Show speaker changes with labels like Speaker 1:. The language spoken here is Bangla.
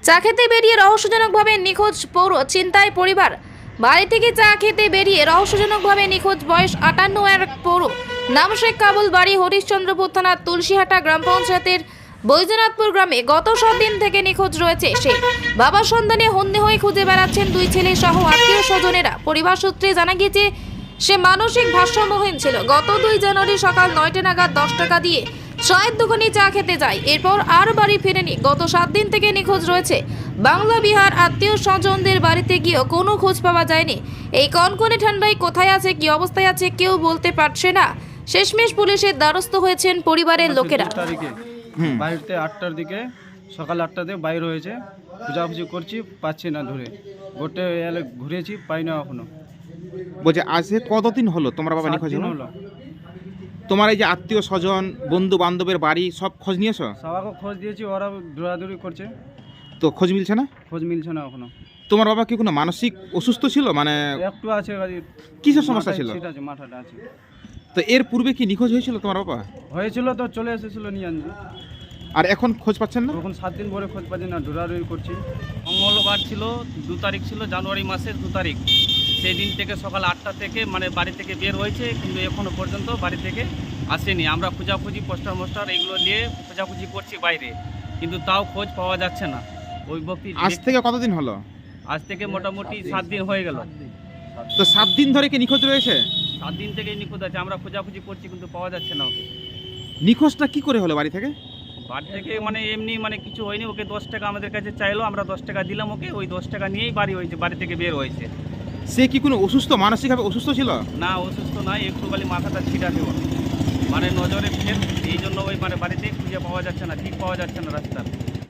Speaker 1: চা খেতে বেরিয়ে রহস্যজনকভাবে নিখোঁজ পৌর চিন্তায় পরিবার। বাড়ি থেকে চা খেতে বেরিয়ে রহস্যজনকভাবে নিখোঁজ বয়স 58 এক পৌর নাম শেখ কাবুল, বাড়ি হরিশ্চন্দ্রপুর থানার তুলসীহাটা গ্রাম পঞ্চায়েতের বৈদ্যনাথপুর গ্রামে। গত 7 দিন থেকে নিখোঁজ রয়েছে সে। বাবার সন্ধানে হন্যে হয়ে খুঁজে বেড়াচ্ছেন দুই ছেলে সহ আত্মীয় স্বজনেরা। পরিবার সূত্রে জানা গিয়েছে সে মানসিক ভারসাম্যহীন ছিল। গত 2 জানুয়ারি সকাল 9টা নাগাদ 10 টাকা দিয়ে চায়ের দোকানে চা খেতে যায়, এরপর আর বাড়ি ফেরেনি। গত 7 দিন থেকে নিখোঁজ রয়েছে। বাংলা বিহার আত্মীয় স্বজনদের বাড়িতে গিয়েও কোনো খোঁজ পাওয়া যায়নি। এই কনকনে ঠান্ডায় কোথায় আছে, কি অবস্থায় আছে কেউ বলতে পারছে না। শেষমেশ পুলিশের দ্বারস্থ হয়েছেন পরিবারের লোকেরা।
Speaker 2: বাড়িতে 8টার দিকে, সকাল 8টাতে বাইর হয়েছে, খোঁজাখুঁজি করছি, পাচ্ছি না ধরে। গোটে এলে ঘুরেছি, পাই না এখনো।
Speaker 3: বলছে আজ কতদিন হলো তোমার বাবা
Speaker 2: 7
Speaker 3: নিখোঁজ
Speaker 2: দিন
Speaker 3: হলো?
Speaker 2: হলো।
Speaker 3: তোমার এই যে আত্মীয় স্বজন, বন্ধু বান্ধবের বাড়ি সব খোঁজ নিয়েছো?
Speaker 2: সবাইকে খোঁজ দিয়েছি, ওরা দৌড়াদৌড়ি করছে,
Speaker 3: তো খোঁজ মিলছে না?
Speaker 2: খোঁজ মিলছে না এখনো।
Speaker 3: তোমার বাবা কি কোনো মানসিক অসুস্থ ছিল? মানে
Speaker 2: একটু আছে,
Speaker 3: কিসের সমস্যা ছিল?
Speaker 2: সেটা আছে, মাথাটা আছে।
Speaker 3: তো এর পূর্বে কি নিখোঁজ হয়েছিল তোমার বাবা?
Speaker 2: হয়েছিল তো, চলে এসেছিল নিয়ে আনছি।
Speaker 3: আর এখন খোঁজ পাচ্ছেন না?
Speaker 2: তখন 7 দিন পরে খোঁজ পাচ্ছি না, দৌড়াদৌড়ি করছি।
Speaker 4: মঙ্গলবার ছিল, 2 তারিখ ছিল, জানুয়ারি মাসের 2 তারিখ। সেই দিন থেকে সকাল 8টা থেকে মানে বাড়ি থেকে বের হয়েছে, কিন্তু এখনো পর্যন্ত বাড়ি থেকে আসেনি। আমরা খোঁজাখুঁজি পোস্টার এগুলো নিয়ে খোঁজাখুঁজি করছি বাইরে, কিন্তু তাও খোঁজ পাওয়া যাচ্ছে না। ওই ব্যক্তি
Speaker 3: আজ থেকে কতদিন হলো?
Speaker 4: আজ থেকে মোটামুটি 7 দিন হয়ে গেল।
Speaker 3: তো 7 দিন ধরে কি নিখোঁজ রয়েছে?
Speaker 4: 7 দিন থেকেই নিখোঁজ আছে। আমরা খোঁজাখুঁজি করছি, কিন্তু পাওয়া যাচ্ছে না ওকে।
Speaker 3: নিখোঁজটা কি করে হলো বাড়ি থেকে?
Speaker 4: বাড়ি থেকে মানে এমনি মানে কিছু হয়নি। ওকে 10 টাকা আমাদের কাছে চাইলো, আমরা 10 টাকা দিলাম ওকে। ওই 10 টাকা নিয়েই বাড়ি থেকে বের হয়েছে।
Speaker 3: সে কি কোনো অসুস্থ, মানসিকভাবে অসুস্থ ছিল?
Speaker 4: না, অসুস্থ নয়, একটু খালি মাথাটা ছিটা দেওয়া, মানে নজরে ফের। এই জন্য ওই মানে বাড়িতে খুঁজে পাওয়া যাচ্ছে না, ঠিক পাওয়া যাচ্ছে না রাস্তা।